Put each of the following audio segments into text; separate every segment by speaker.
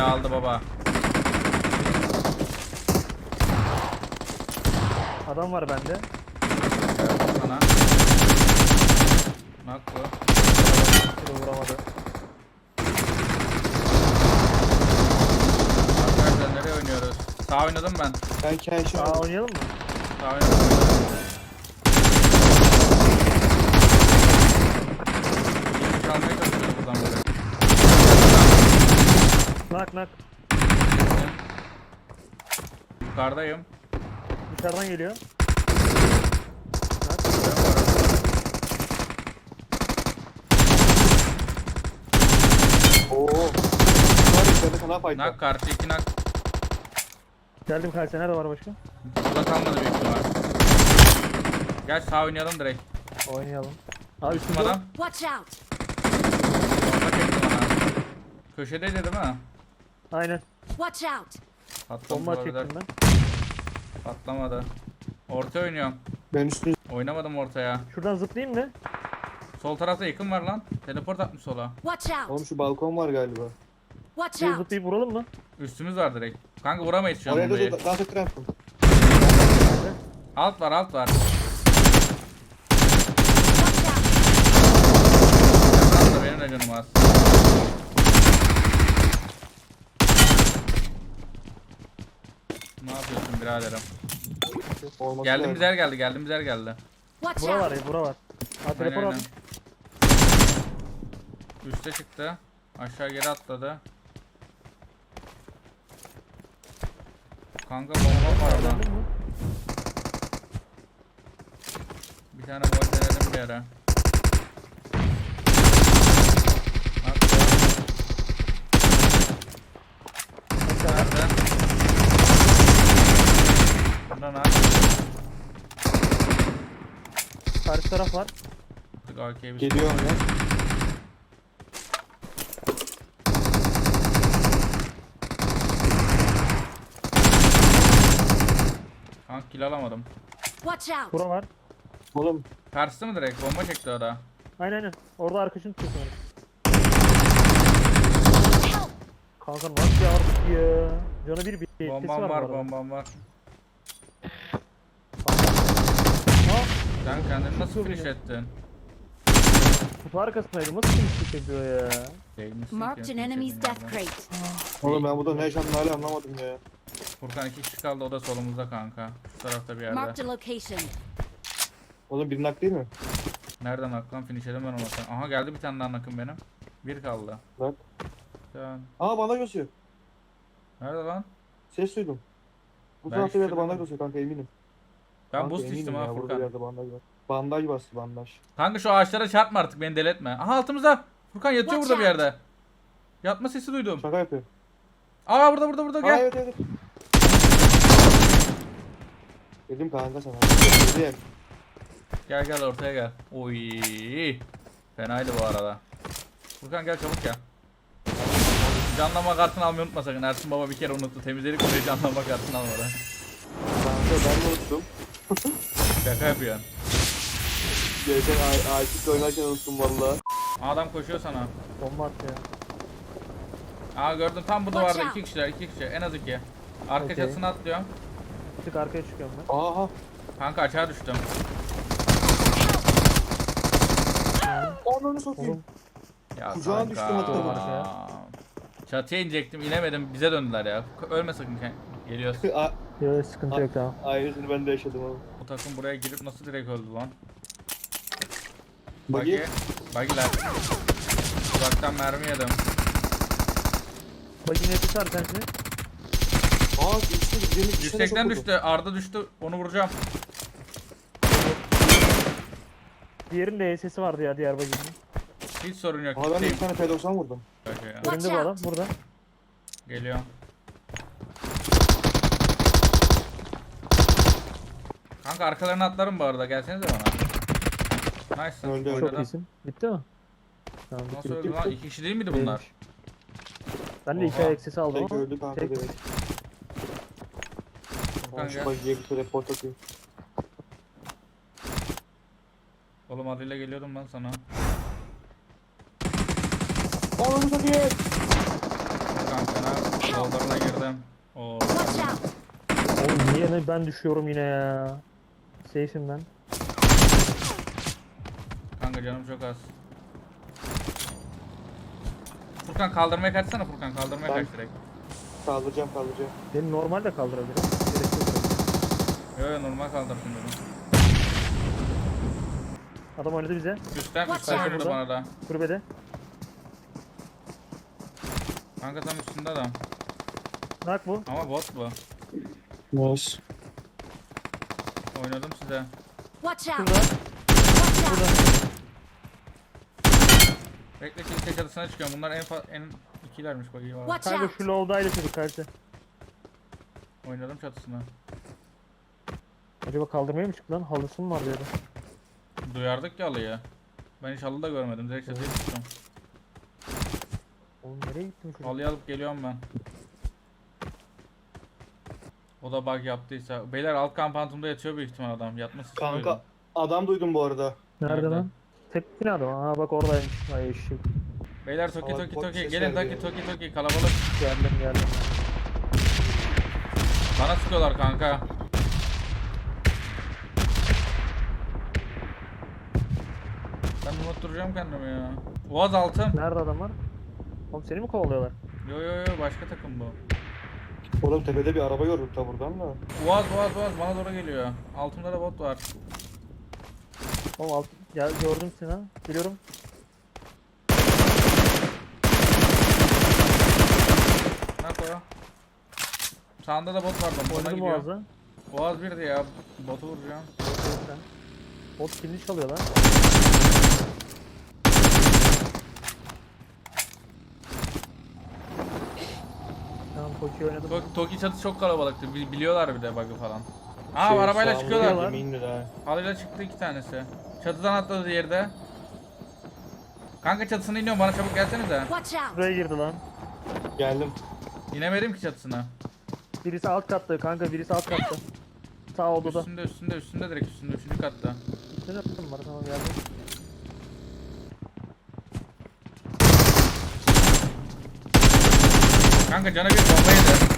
Speaker 1: aldı baba.
Speaker 2: Adam var bende.
Speaker 1: Sana. Bak bu.
Speaker 2: Şurada vuramadı.
Speaker 1: Arkadaşlar nereye oynuyoruz? Sağ oynadım ben.
Speaker 3: Ben kendi
Speaker 2: Aa oynayalım mı?
Speaker 1: Sağ oynadım. Yeni çalmaya çalışıyorum buradan böyle.
Speaker 2: Nak.
Speaker 1: Yukarıdayım.
Speaker 2: Dışarıdan geliyor.
Speaker 3: Oo. Var içeride kana fayda.
Speaker 1: Nak karşı 2 nak.
Speaker 2: Geldim karşıya. Nerede var başka?
Speaker 1: Burada kalmadı büyük ihtimal. Gel sağ oynayalım direkt.
Speaker 2: Oynayalım. Abi
Speaker 1: Üstüm
Speaker 2: üstümde.
Speaker 1: adam.
Speaker 4: Watch out!
Speaker 1: Bomba çekti bana. Köşedeydi değil mi?
Speaker 2: Aynen.
Speaker 4: Watch out!
Speaker 1: Patlamış
Speaker 2: Bomba
Speaker 1: olabilir.
Speaker 2: çektim ben.
Speaker 1: Patlamadı. Orta oynuyorum.
Speaker 3: Ben üstüne
Speaker 1: Oynamadım ortaya.
Speaker 2: Şuradan zıplayayım mı?
Speaker 1: Sol tarafta yakın var lan. Teleport atmış sola.
Speaker 4: Watch out!
Speaker 3: oğlum şu balkon var galiba.
Speaker 4: Watch
Speaker 2: Şuraya
Speaker 4: out!
Speaker 2: zıplayıp vuralım mı?
Speaker 1: Üstümüz var direkt. Kanka vuramayız şu an
Speaker 3: Oraya
Speaker 1: burayı.
Speaker 3: da dans ettiren yaptım.
Speaker 1: Alt var alt var.
Speaker 4: Watch out!
Speaker 1: Yakın da benim de canım az. Ne yapıyorsun biraderim?
Speaker 3: Olması
Speaker 1: Geldiğimiz
Speaker 3: lazım.
Speaker 1: yer geldi.
Speaker 4: Watch
Speaker 2: Bura var
Speaker 4: out!
Speaker 2: ya bura var. Ha telefon
Speaker 1: Aynen,
Speaker 2: aldım.
Speaker 1: Üste çıktı. Aşağı geri atladı. Kanka bomba var orada.
Speaker 2: Öğrendin mi?
Speaker 1: Bir tane gol denedim bir ara. Bak, nerede? Buradan at.
Speaker 2: Karşı taraf var.
Speaker 1: AK'ye bir
Speaker 3: Geliyorum ya.
Speaker 1: Kanka kill alamadım.
Speaker 4: Watch out!
Speaker 2: Bura var.
Speaker 3: Oğlum
Speaker 1: Karşısı mı direkt? Bomba çekti o da.
Speaker 2: Aynen. Orada arkadaşını tutuyor sanırım.
Speaker 4: Help!
Speaker 2: Kanka nasıl yardık ya? Canı bir etkisi
Speaker 1: Bombam
Speaker 2: var
Speaker 1: var,
Speaker 2: bu arada.
Speaker 1: bombam var.
Speaker 2: Ha?
Speaker 1: Sen kendini nasıl
Speaker 2: Çok
Speaker 1: finish
Speaker 2: iyi.
Speaker 1: ettin?
Speaker 2: Kutu arkasındaydı. Nasıl kimse yapıyor ya?
Speaker 1: Değilmişsin
Speaker 4: Marked
Speaker 1: ki,
Speaker 4: an enemy's
Speaker 1: finish
Speaker 4: death
Speaker 1: edin
Speaker 4: crate.
Speaker 3: oğlum ben burada ne yaşandığını hala anlamadım ya.
Speaker 1: Furkan 2 kişi kaldı, o da solumuzda kanka. Şu tarafta bir yerde.
Speaker 4: Marked a location.
Speaker 3: Oğlum bir nak değil mi?
Speaker 1: Nereden aklan finish edemem ama sen. Aha geldi bir tane daha nakım benim. Bir kaldı.
Speaker 3: Bak.
Speaker 1: Sen...
Speaker 3: Aa bandaj basıyor.
Speaker 1: Nerede lan?
Speaker 3: Ses duydum. Bu
Speaker 1: Ben
Speaker 3: tarafta bir yerde
Speaker 1: şurada
Speaker 3: bandaj
Speaker 1: mı?
Speaker 3: basıyor kanka eminim.
Speaker 1: Ben
Speaker 3: Kanka,
Speaker 1: boost
Speaker 3: eminim
Speaker 1: içtim ha
Speaker 3: ya, burada bir
Speaker 1: Furkan.
Speaker 3: yerde bandaj var. Bandaj bastı bandaj.
Speaker 1: Kanka şu ağaçlara çarpma artık, beni deli etme. Aha altımızda. Furkan yatıyor
Speaker 4: Watch
Speaker 1: burada bir
Speaker 4: out.
Speaker 1: yerde. Yatma sesi duydum.
Speaker 3: Şaka yapıyor.
Speaker 1: Aa burada
Speaker 3: Aa
Speaker 1: gel.
Speaker 3: evet evet. Dedim kanka sana. Dedim.
Speaker 1: Gel ortaya gel. Oy. Fenaydı bu arada. Furkan gel çabuk gel. Canlama kartını almayı unutma sakın. Ersin baba bir kere unuttu. Temizledik burayı, canlama kartını almadan.
Speaker 3: Kanka ben de unuttum.
Speaker 1: Şaka yapıyorsun.
Speaker 3: Geçen Aykut'la oynarken unuttum valla.
Speaker 1: Adam koşuyor sana.
Speaker 2: Bomba attı ya.
Speaker 1: Aa gördüm tam bu
Speaker 4: Watch
Speaker 1: duvarda
Speaker 4: out.
Speaker 1: 2 kişiler, 2 kişi en az 2. Arka
Speaker 2: Okey.
Speaker 1: çatısına atlıyorum.
Speaker 2: Bir tık arkaya çıkıyorum ben.
Speaker 3: Aha.
Speaker 1: Kanka aşağı düştüm.
Speaker 3: Ananı satayım.
Speaker 2: Oğlum
Speaker 1: Ya
Speaker 3: Kucağına
Speaker 1: kanka.
Speaker 3: düştüm hatta
Speaker 2: bu arada
Speaker 1: Çatıya inecektim, inemedim, bize döndüler ya. Ölme sakın, geliyoruz.
Speaker 2: yok sıkıntı yok tamam.
Speaker 3: Aynısını ben de yaşadım oğlum.
Speaker 1: Bu takım buraya girip nasıl direkt öldü lan?
Speaker 3: Buggy.
Speaker 1: Buggy'ler. Uzaktan mermi yedim.
Speaker 2: Bak yine tutar sen şimdi.
Speaker 3: Aa düştü.
Speaker 1: Yüksekten düştü, Arda düştü, onu vuracağım.
Speaker 2: Diğerinin de sesi vardı ya diğer baginin.
Speaker 1: Hiç sorun yok.
Speaker 3: Aa ben de
Speaker 1: Gideyim.
Speaker 3: bir tane P90 vurdum.
Speaker 2: Önünde bu adam burada.
Speaker 1: Geliyor. Kanka arkalarına atlarım bu arada, gelsenize bana. Nice.
Speaker 3: Öldü, öldü.
Speaker 2: Çok
Speaker 1: Oynadı.
Speaker 2: iyisin. Bitti mi? Tamam bitti.
Speaker 1: Nasıl öldü lan? 2 kişi değil miydi bunlar?
Speaker 2: Değilmiş. Ben de iki
Speaker 1: Oha.
Speaker 2: ayak sesi aldım
Speaker 3: Tek
Speaker 2: ama.
Speaker 3: öldü kanka
Speaker 2: tek-
Speaker 3: direkt.
Speaker 1: Furkan
Speaker 3: Ben şu
Speaker 1: gel.
Speaker 3: buggy'ye bir teleport atayım.
Speaker 1: Oğlum adıyla geliyordum ben sana.
Speaker 3: Ananı satayım.
Speaker 1: Furkan sana. Yollarına girdim. Oo.
Speaker 4: Watch out!
Speaker 2: Oğlum niye ben düşüyorum yine ya. Safe'im ben.
Speaker 1: Kanka canım çok az. Furkan kaldırmaya kaçsana Furkan. Kaldırmaya
Speaker 3: Ben-
Speaker 1: kaç direkt.
Speaker 3: Kaldıracağım.
Speaker 2: Beni normal de kaldırabilirim. Gerek yok.
Speaker 1: Yo yo normal kaldırsın dedim.
Speaker 2: Adam oynadı bize.
Speaker 1: Üstten
Speaker 4: Watch
Speaker 1: üstten
Speaker 4: out.
Speaker 1: oynadı bana da.
Speaker 2: Kulübede.
Speaker 1: Kanka tam üstünde adam.
Speaker 2: Nak bu.
Speaker 1: Ama bot bu.
Speaker 3: Nice.
Speaker 1: Oynadım size.
Speaker 4: Watch out!
Speaker 2: Şurada.
Speaker 4: Watch out!
Speaker 1: Bekle kilise çatısına çıkıyorum. Bunlar en ikilermiş bak iyi var.
Speaker 4: Watch
Speaker 2: Kanka
Speaker 4: out!
Speaker 2: şu low'daydı çocuk karşı.
Speaker 1: Oynadım çatısına.
Speaker 2: Acaba kaldırmaya mı çıktı lan? Halısı mı var diyordu.
Speaker 1: Duyardık ya alıyı. Ben hiç halı da görmedim. Direkt çatıya çıktım.
Speaker 2: Oğlum nereye gittin çocuk?
Speaker 1: Halıyı alıp geliyorum ben. O da bug yaptıysa. Beyler alt kampantumda yatıyor büyük ihtimal adam. Yatması
Speaker 3: Kanka adam duydum bu arada.
Speaker 2: Nerede
Speaker 1: Nerede?
Speaker 2: lan? Tek binada mı? Aa bak oradaymış. Ay eşek.
Speaker 1: Beyler toki
Speaker 3: Ama
Speaker 1: toki
Speaker 3: bot
Speaker 1: toki.
Speaker 3: ses
Speaker 1: Gelin
Speaker 3: verdi
Speaker 1: toki
Speaker 3: ya.
Speaker 1: toki toki. Kalabalık.
Speaker 2: Geldim.
Speaker 1: Bana sıkıyorlar kanka. Ben unutturacağım kendimi ya. Oğaz altı.
Speaker 2: Nerede adamlar? Oğlum seni mi kovalıyorlar?
Speaker 1: Yo yo yo başka takım bu.
Speaker 3: Oğlum tepede bir araba gördüm ta buradan da.
Speaker 1: Oğaz bana doğru geliyor. Altımda da bot var.
Speaker 2: Oğlum alt... Gel gördüm seni ha. Geliyorum.
Speaker 1: Nak o. Sağında da bot var bana
Speaker 2: Oynadım
Speaker 1: gidiyor.
Speaker 2: boğazı.
Speaker 1: Oğaz birdi ya. Botu vuracağım.
Speaker 2: Sen. Bot kimli çalıyor lan? Tamam Koki oynadım.
Speaker 1: Toki çatı çok kalabalıktı. Biliyorlar bir de bug'ı falan. Aa
Speaker 3: Şey,
Speaker 1: arabayla
Speaker 3: sağımda
Speaker 1: çıkıyorlar.
Speaker 3: yeminli de.
Speaker 1: Halıyla çıktı iki tanesi. Çatıdan atladı diğeri de. Kanka çatısına iniyorum bana çabuk gelsenize.
Speaker 4: Watch out!
Speaker 2: Buraya girdi lan.
Speaker 3: Geldim.
Speaker 1: İnemedim ki çatısına.
Speaker 2: Birisi alt katta kanka, birisi alt katta. Sağ odada.
Speaker 1: Üstünde direkt üstünde 3. katta.
Speaker 2: Ne yaptın var, tamam geldim.
Speaker 1: Kanka cana bir bomba yedi.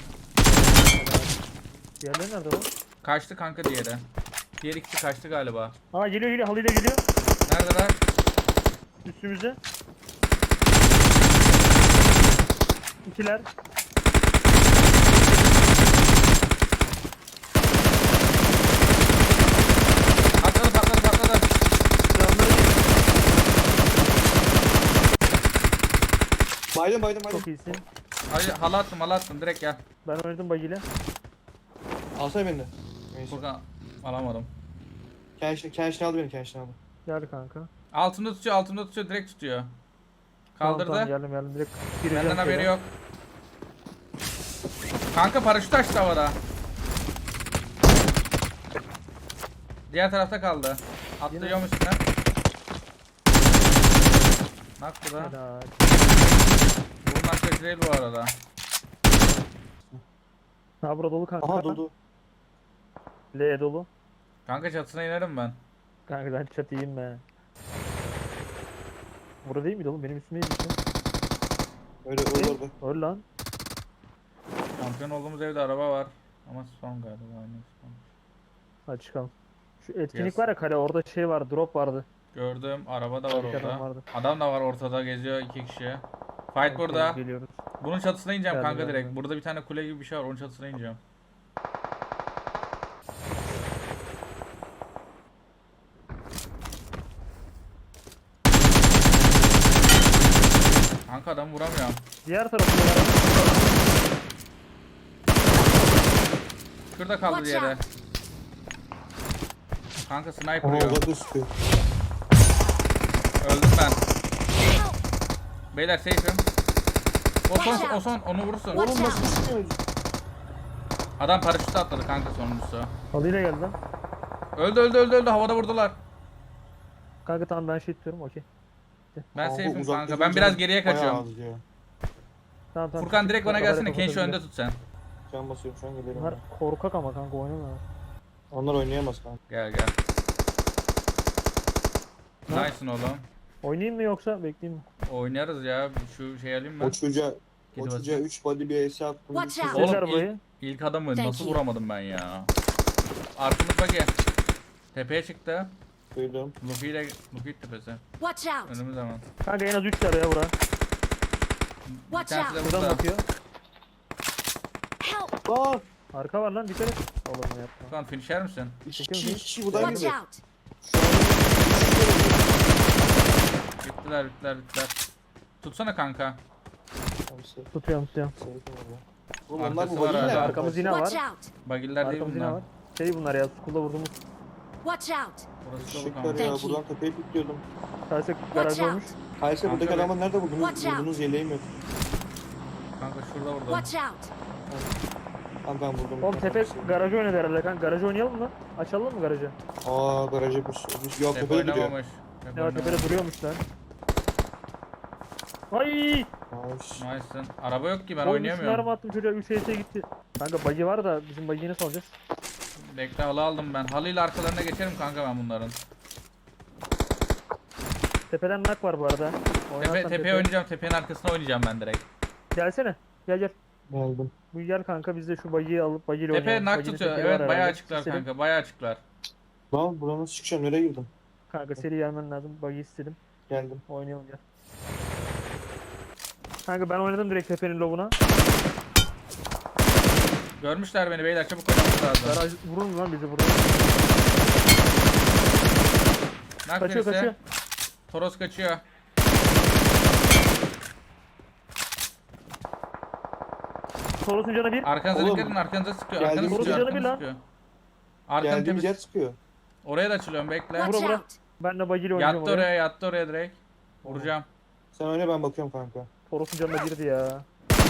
Speaker 2: Diğerleri nerede lan?
Speaker 1: Kaçtı kanka diğeri. Diğer ikisi kaçtı galiba.
Speaker 2: Aa geliyor halıyla geliyor.
Speaker 1: Neredeler?
Speaker 2: Üstümüzde. İkiler.
Speaker 1: Patladı.
Speaker 2: Silahları
Speaker 3: Baydım.
Speaker 2: çok iyisin.
Speaker 1: Halı attım direkt gel.
Speaker 2: Ben oynadım bagiyle.
Speaker 3: Alsana beni de. Neyse.
Speaker 1: Furkan alamadım.
Speaker 3: Kenşini aldı beni kenşini aldı.
Speaker 2: Gel kanka.
Speaker 1: Altımda tutuyor direkt tutuyor. Kaldırdı.
Speaker 2: Tamam, geldim direkt. Gireceğim
Speaker 1: Benden haberi
Speaker 2: şöyle.
Speaker 1: yok. Kanka paraşüt açtı havada. Diğer tarafta kaldı. Atlıyorum üstüne. Nak bu da.
Speaker 2: Helal.
Speaker 1: Bu nak değil bu arada.
Speaker 2: Ha burada dolu kanka.
Speaker 3: Aha durdu.
Speaker 2: L dolu.
Speaker 1: Kanka çatısına inerim ben.
Speaker 2: Kanka ben çatıyım be. Burada değil miydi oğlum? Benim üstümdeydi işte.
Speaker 3: Öyle orada.
Speaker 2: Öl lan.
Speaker 1: Şampiyon olduğumuz evde araba var. Ama son galiba aynı son.
Speaker 2: Hadi çıkalım. Şu etkinlik
Speaker 1: Yes.
Speaker 2: var ya kale, orada şey var, drop vardı.
Speaker 1: Gördüm. Araba da var
Speaker 2: Arkadan
Speaker 1: orada.
Speaker 2: vardı.
Speaker 1: Adam da var ortada geziyor 2 kişi. Fight burada.
Speaker 2: Geliyoruz.
Speaker 1: Bunun çatısına ineceğim
Speaker 2: Geldim,
Speaker 1: kanka direkt.
Speaker 2: geldim.
Speaker 1: Burada bir tane kule gibi bir şey var. Onun çatısına ineceğim. Kanka adam vuramıyorum.
Speaker 2: Diğer tarafta
Speaker 1: Şurada kaldı
Speaker 4: Watch
Speaker 1: diğeri.
Speaker 4: out.
Speaker 1: Kanka sniper
Speaker 3: Aha
Speaker 1: yiyor.
Speaker 3: orada sıkıyor.
Speaker 1: Öldüm ben.
Speaker 4: Help!
Speaker 1: Beyler safe'im. O son onu vurursun.
Speaker 4: Watch
Speaker 3: Oğlum nasıl
Speaker 4: out!
Speaker 3: sıkıyor?
Speaker 1: Adam paraşütle atladı kanka sonuncusu.
Speaker 2: halıyla geldi lan.
Speaker 1: Öldü havada vurdular.
Speaker 2: Kanka tamam ben şey tutuyorum, okey.
Speaker 1: Ben
Speaker 3: Kanka
Speaker 1: safe'im
Speaker 3: uzak
Speaker 1: kanka.
Speaker 3: durunca
Speaker 1: Ben biraz geriye
Speaker 3: bayağı
Speaker 1: kaçıyorum.
Speaker 3: az ya.
Speaker 2: Tamam.
Speaker 1: Furkan direkt bana
Speaker 2: Kafaları
Speaker 1: gelsene. Kenshi
Speaker 2: kapatabilir.
Speaker 1: önde tut sen.
Speaker 3: Can basıyorum şu an geliyorum.
Speaker 2: Bunlar korkak ama kanka oynamıyorlar.
Speaker 3: Onlar oynayamaz kanka.
Speaker 1: Gel.
Speaker 2: Ha?
Speaker 1: Nice'ın oğlum.
Speaker 2: Oynayayım mı yoksa bekleyeyim mi?
Speaker 1: Oynarız ya. Şu şey alayım mı?
Speaker 3: O çocuğa
Speaker 1: Gidi
Speaker 3: O çocuğa
Speaker 1: basayım.
Speaker 3: 3 body bir ace attım.
Speaker 4: Watch
Speaker 3: Bir
Speaker 4: out.
Speaker 3: şey-
Speaker 1: Oğlum
Speaker 2: Sizler burayı.
Speaker 1: ilk adamı
Speaker 4: Thank
Speaker 1: nasıl
Speaker 4: you.
Speaker 1: vuramadım ben ya. Arkamız bak ya. Tepeye çıktı.
Speaker 3: Duydum.
Speaker 1: Luffy tepesi.
Speaker 4: Watch out!
Speaker 1: Önümüz hemen.
Speaker 2: Kanka en az 3 tane ya bura.
Speaker 1: Bir
Speaker 4: Watch
Speaker 1: tanesi de
Speaker 4: out.
Speaker 2: Buradan
Speaker 1: burada.
Speaker 2: bakıyor.
Speaker 4: Help!
Speaker 3: Aa!
Speaker 2: Arka var lan dikkat et. Oğlum ne yapma.
Speaker 1: Furkan finisher misin?
Speaker 3: İki
Speaker 2: Bakıyorum.
Speaker 3: kişi buradan
Speaker 4: Watch
Speaker 3: girdi.
Speaker 4: out!
Speaker 3: Şu an
Speaker 1: Bittiler. Tutsana kanka.
Speaker 2: Tutuyorum.
Speaker 3: Oğlum onlar
Speaker 1: Arkası
Speaker 3: bu
Speaker 1: var
Speaker 3: body
Speaker 1: hala.
Speaker 3: ne?
Speaker 2: Arkamız yine var.
Speaker 4: Watch out!
Speaker 1: Bagiller değil
Speaker 2: Arkamız yine
Speaker 1: bunlar.
Speaker 2: var. Şey bunlar ya skulda vurduğumuz.
Speaker 4: Watch out!
Speaker 1: Burası dolu
Speaker 3: Şıklar
Speaker 1: kanka.
Speaker 3: ya
Speaker 4: Thank you.
Speaker 3: buradan tepeye pikliyordum.
Speaker 2: Karşı
Speaker 4: Watch
Speaker 2: garaj
Speaker 4: out!
Speaker 2: olmuş.
Speaker 3: Hayır buradaki
Speaker 1: Kanka
Speaker 3: adamı nerede buldunuz?
Speaker 4: Watch out.
Speaker 3: Buldunuz yeleğim yok.
Speaker 1: Kanka şurada vurdum.
Speaker 4: Watch out!
Speaker 3: Kanka ben vurdum.
Speaker 2: Oğlum tepe garajı oynadı herhalde kanka. Garajı oynayalım mı? Açalım mı garajı?
Speaker 3: Aa garaj yapmış. Yok
Speaker 1: Tepe
Speaker 3: tepede duruyor.
Speaker 1: oynamamış. Tepe
Speaker 2: Ya tepede
Speaker 1: oynamamış.
Speaker 2: duruyormuş lan. Ay!
Speaker 3: Nice.
Speaker 1: Nice'ın. Araba yok ki ben
Speaker 2: Oğlum 3 mermi
Speaker 1: oynayamıyorum.
Speaker 2: attım çocuğa 3 HS gitti. Kanka bug'i var da bizim bug'i nasıl alacağız?
Speaker 1: Bekle halı aldım ben. Halıyla arkalarına geçerim kanka ben bunların.
Speaker 2: Tepeden nak var bu arada. Oynarsan
Speaker 1: Tepeye oynayacağım. Tepenin arkasına oynayacağım ben direkt.
Speaker 2: Gelsene. Gel.
Speaker 3: Geldim.
Speaker 2: Bu gel kanka biz de şu bug'i alıp bug'iyle
Speaker 1: Tepe
Speaker 2: oynayalım.
Speaker 1: nak
Speaker 2: Buggy'nin
Speaker 1: tutuyor.
Speaker 2: tekeri var
Speaker 1: Evet bayağı
Speaker 2: herhalde.
Speaker 1: açıklar
Speaker 2: İstedim.
Speaker 1: kanka. Bayağı açıklar.
Speaker 3: Lan buradan nasıl çıkacağım? Nereye girdim?
Speaker 2: Kanka seri gelmen lazım. Bug'i istedim.
Speaker 3: Geldim.
Speaker 2: Oynayalım gel. Kanka ben oynadım direkt tepenin lobuna.
Speaker 1: Görmüşler beni beyler çabuk oynamamız lazım.
Speaker 2: Garaj vurun lan bizi buraya.
Speaker 1: Nak
Speaker 2: Kaçıyor
Speaker 1: birisi.
Speaker 2: kaçıyor.
Speaker 1: Toros kaçıyor.
Speaker 2: Toros'un canı bir.
Speaker 1: Arkanıza
Speaker 3: Oğlum,
Speaker 1: dikkat edin arkanıza sıkıyor.
Speaker 3: geldi
Speaker 1: Arkanıza
Speaker 3: mi
Speaker 1: sıkıyor.
Speaker 2: canı bir
Speaker 1: Arkanıza
Speaker 2: lan?
Speaker 1: sıkıyor. Arkanın
Speaker 3: Geldiğim
Speaker 1: tepesi.
Speaker 3: jet sıkıyor.
Speaker 1: Oraya da açılıyorum bekle.
Speaker 4: Watch
Speaker 2: bura.
Speaker 4: out!
Speaker 2: Ben de bug'iyle oynayacağım
Speaker 1: Yattı
Speaker 2: oraya.
Speaker 1: yattı oraya direkt. Vuracağım.
Speaker 3: Sen oyna ben bakıyorum kanka.
Speaker 2: Toros'un canına girdi ya.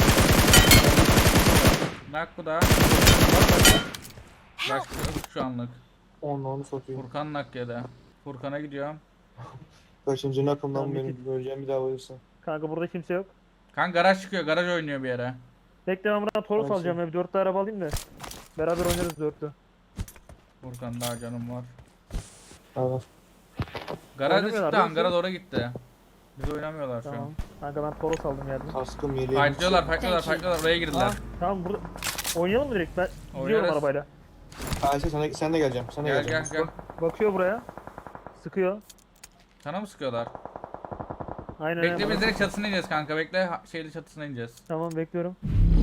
Speaker 1: Nak bu da. Başka yok şu anlık.
Speaker 3: Onu satayım.
Speaker 1: Furkan nak ya da. Furkan'a gidiyorum.
Speaker 3: Kaçıncı nakımdan
Speaker 2: Tamam,
Speaker 3: beni
Speaker 2: bitti.
Speaker 3: göreceğim bir daha bayılsın.
Speaker 2: Kanka burada kimse yok.
Speaker 1: Kan garaj çıkıyor. Garaj oynuyor bir yere.
Speaker 2: Bekle ben buradan Toros
Speaker 3: Tamam,
Speaker 2: alacağım ya. Bir 4 araba alayım da. Beraber oynarız 4'lü.
Speaker 1: Furkan daha canım var.
Speaker 3: Evet.
Speaker 1: Garaj da
Speaker 2: Oynamıyorlar
Speaker 1: çıktı.
Speaker 2: değil mi?
Speaker 1: Hangara doğru gitti. Biz oynamıyorlar şu
Speaker 2: Tamam.
Speaker 1: an.
Speaker 2: Kanka ben Toros aldım yerden.
Speaker 3: Kaskım yeleğim.
Speaker 1: Fightlıyorlar,
Speaker 4: Thank you.
Speaker 1: fightlıyorlar. Oraya girdiler.
Speaker 2: Aa, tamam burada. Oynayalım mı direkt? Ben gidiyorum
Speaker 1: Oynarız.
Speaker 2: arabayla.
Speaker 3: Ayşe sen de geleceğim. Sen de
Speaker 1: Gel
Speaker 3: geleceksin.
Speaker 1: gel gel.
Speaker 2: Bakıyor buraya. Sıkıyor.
Speaker 1: Sana mı sıkıyorlar?
Speaker 2: Aynen
Speaker 1: Bekle
Speaker 2: aynen.
Speaker 1: biz direkt çatısına ineceğiz kanka. Bekle şeyli çatısına ineceğiz.
Speaker 2: Tamam bekliyorum.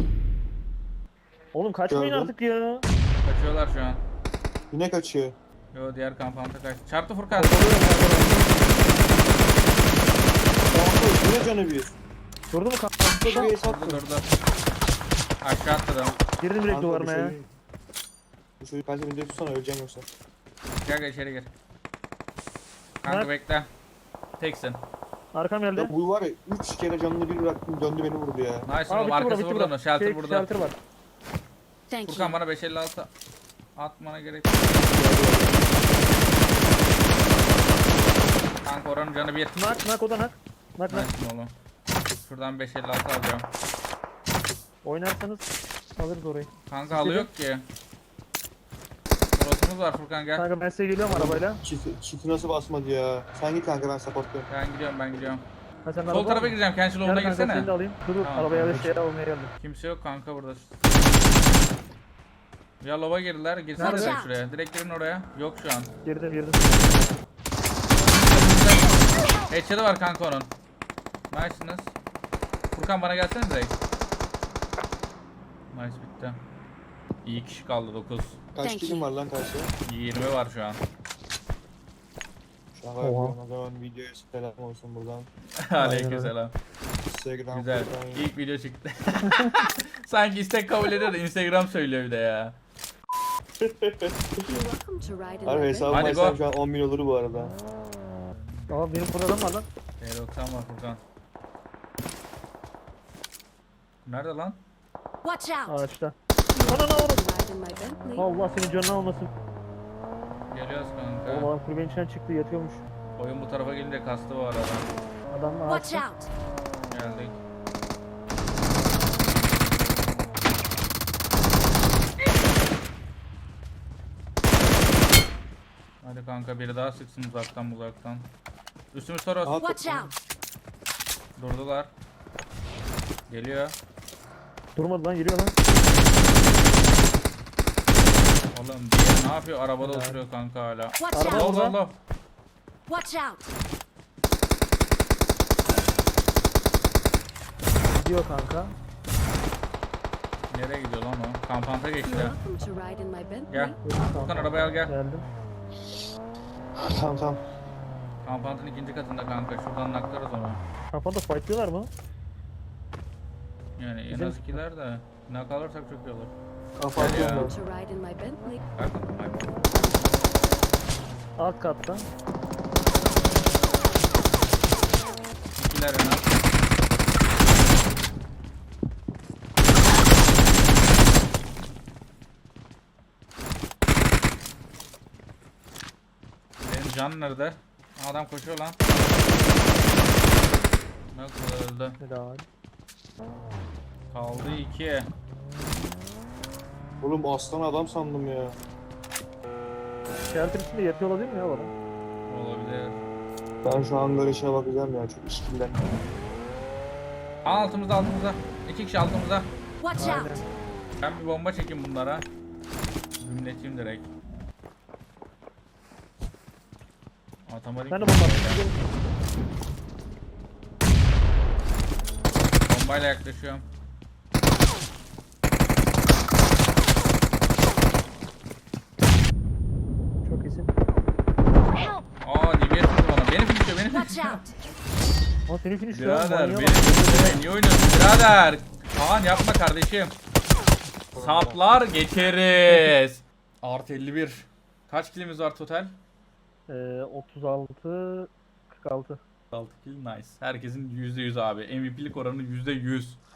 Speaker 2: Oğlum kaçmayın
Speaker 3: Gördüm.
Speaker 2: artık ya.
Speaker 1: Kaçıyorlar şu an.
Speaker 3: Yine kaçıyor.
Speaker 1: Yo diğer kampanta kaçtı. Çarptı Furkan.
Speaker 3: Kanka yine canı bir.
Speaker 2: Durdu mu kanka?
Speaker 3: Bir ace
Speaker 1: Durdu
Speaker 3: attım.
Speaker 1: durdu. Aşağı atladım.
Speaker 2: Girdim direkt
Speaker 3: Kanka,
Speaker 2: duvarına ya.
Speaker 3: Bu çocuk kaçta beni tutsana öleceğim yoksa.
Speaker 1: Gel gel içeri gir. Kanka
Speaker 2: Bak.
Speaker 1: bekle. Teksin.
Speaker 2: Arkam geldi.
Speaker 3: Ya bu var ya 3 kere canını bir bıraktım döndü beni vurdu ya.
Speaker 1: Nice
Speaker 2: Aa
Speaker 1: oğlum
Speaker 2: bitti
Speaker 1: arkası
Speaker 2: bitti
Speaker 1: burada mı? Shelter
Speaker 2: Şey,
Speaker 1: burada.
Speaker 2: Shelter var.
Speaker 4: Thank
Speaker 1: Furkan
Speaker 4: you.
Speaker 1: bana 556 atmana gerek yok. Kanka oranın canı bir.
Speaker 2: Nak o da nak. Nak.
Speaker 1: Nice oğlum. Şuradan 556 alacağım.
Speaker 2: Oynarsanız alırız orayı.
Speaker 1: Kanka halı yok ki. Burasımız var Furkan gel.
Speaker 2: Kanka ben size geliyorum arabayla.
Speaker 3: Çiti nasıl basmadı ya. Sen git kanka ben supportluyorum.
Speaker 1: Ben gidiyorum.
Speaker 2: Ha sen
Speaker 1: Sol
Speaker 2: araba
Speaker 1: tarafa
Speaker 2: mı?
Speaker 1: gireceğim. Kençil
Speaker 2: Gel
Speaker 1: yoluna
Speaker 2: kanka seni de
Speaker 1: girsene.
Speaker 2: alayım. Dur
Speaker 1: Tamam,
Speaker 2: arabaya da
Speaker 1: tamam.
Speaker 2: şey almaya geldim.
Speaker 1: Kimse yok kanka burada. Ya lova girdiler. Girsene
Speaker 2: Nerede?
Speaker 1: direkt şuraya. Direkt girin oraya. Yok şu an.
Speaker 2: Girdim.
Speaker 1: Headshot'ı var kanka onun. Nice'sınız. Furkan bana gelsene direkt. Nice bitti. İyi kişi kaldı 9.
Speaker 3: Kaç
Speaker 4: Thank
Speaker 3: kilim
Speaker 4: you.
Speaker 3: var lan karşıya?
Speaker 1: 20 var şu an.
Speaker 3: Şaka
Speaker 2: Oha.
Speaker 3: yapıyorum o zaman videoya selam olsun buradan.
Speaker 1: Aleykümselam.
Speaker 3: Instagram
Speaker 1: Güzel.
Speaker 3: buradan-
Speaker 1: İlk video çıktı. Sanki istek kabul ediyor da Instagram söylüyor bir de ya.
Speaker 4: You're welcome to ride in
Speaker 3: Harbi
Speaker 4: my
Speaker 3: hesabım
Speaker 1: Hadi
Speaker 3: açsam
Speaker 1: go.
Speaker 3: şu an 10 bin olur bu arada.
Speaker 2: Aa benim burada adam var lan.
Speaker 1: T90 var Furkan. Nerede lan?
Speaker 4: Watch out!
Speaker 2: Ağaçta. Ana oğlum.
Speaker 4: Ride in my Bentley.
Speaker 2: Allah senin canını almasın.
Speaker 1: Geliyoruz
Speaker 2: Oğlum
Speaker 1: kanka.
Speaker 2: adam kulübenin içinden çıktı yatıyormuş.
Speaker 1: Oyun bu tarafa gelince kastı bu arada.
Speaker 2: Adam
Speaker 4: Watch
Speaker 2: ağaçta.
Speaker 4: out!
Speaker 1: Geldik. Hadi kanka biri daha sıksın uzaktan. Üstümüz Toros.
Speaker 3: Aha,
Speaker 4: Watch out!
Speaker 1: Durdular. Geliyor.
Speaker 2: Durmadı lan, geliyor lan.
Speaker 1: Oğlum diğer ne yapıyor? Arabada
Speaker 2: Ya.
Speaker 1: oturuyor kanka hala.
Speaker 4: Watch
Speaker 2: Araba
Speaker 4: out!
Speaker 1: Allah Allah.
Speaker 4: Watch out!
Speaker 2: Gidiyor kanka.
Speaker 1: Nereye gidiyor lan o? Kampanta geçti.
Speaker 4: You're welcome to ride in my Bentley.
Speaker 1: Gel. Furkan arabaya al gel.
Speaker 2: Geldim.
Speaker 3: Tamam tamam.
Speaker 1: Kampantın ikinci katında kanka. Şuradan naklarız onu.
Speaker 2: Kafada fightlıyorlar mı?
Speaker 1: Yani en
Speaker 2: Bizim-
Speaker 1: az ikiler de. Nak alırsak çok iyi olur.
Speaker 3: Kafa
Speaker 1: Gel ya.
Speaker 3: atıyorum
Speaker 4: To ride in my Bentley.
Speaker 1: Bakın hayvan.
Speaker 2: Alt katta.
Speaker 1: İkiler en az. Benim can nerede? Adam koşuyor lan. Nasıl öldü?
Speaker 2: Helal.
Speaker 1: Kaldı 2.
Speaker 3: ben. Oğlum aslan adam sandım ya.
Speaker 2: Shelter içinde yatıyor olabilir mi ya bana?
Speaker 1: Olabilir.
Speaker 3: Ben şu an böyle şeye bakacağım ya. Çok işkillen.
Speaker 1: Altımızda altımızda. 2 kişi altımızda.
Speaker 4: Watch
Speaker 2: Aynen.
Speaker 4: out!
Speaker 1: Ben bir bomba çekeyim bunlara. Gümleteyim direkt. Atamadık.
Speaker 2: Ben de bomba atayım.
Speaker 1: Bombayla yaklaşıyorum.
Speaker 2: Çok iyisin.
Speaker 4: Help!
Speaker 1: Aa DBS vurdu bana. Beni finishliyor beni
Speaker 4: Watch
Speaker 1: finishliyor.
Speaker 4: out!
Speaker 2: Ama seni finish ya.
Speaker 1: Birader
Speaker 2: manyağa
Speaker 1: beni
Speaker 2: bak.
Speaker 1: finishliyor. Niye oynuyorsun birader? Kaan yapma kardeşim. Saplar geçeriz. Artı 51. Kaç kilimiz var total?
Speaker 2: 36 46.
Speaker 1: 6 kill nice. Herkesin %100 abi. MVP'lik oranı %100.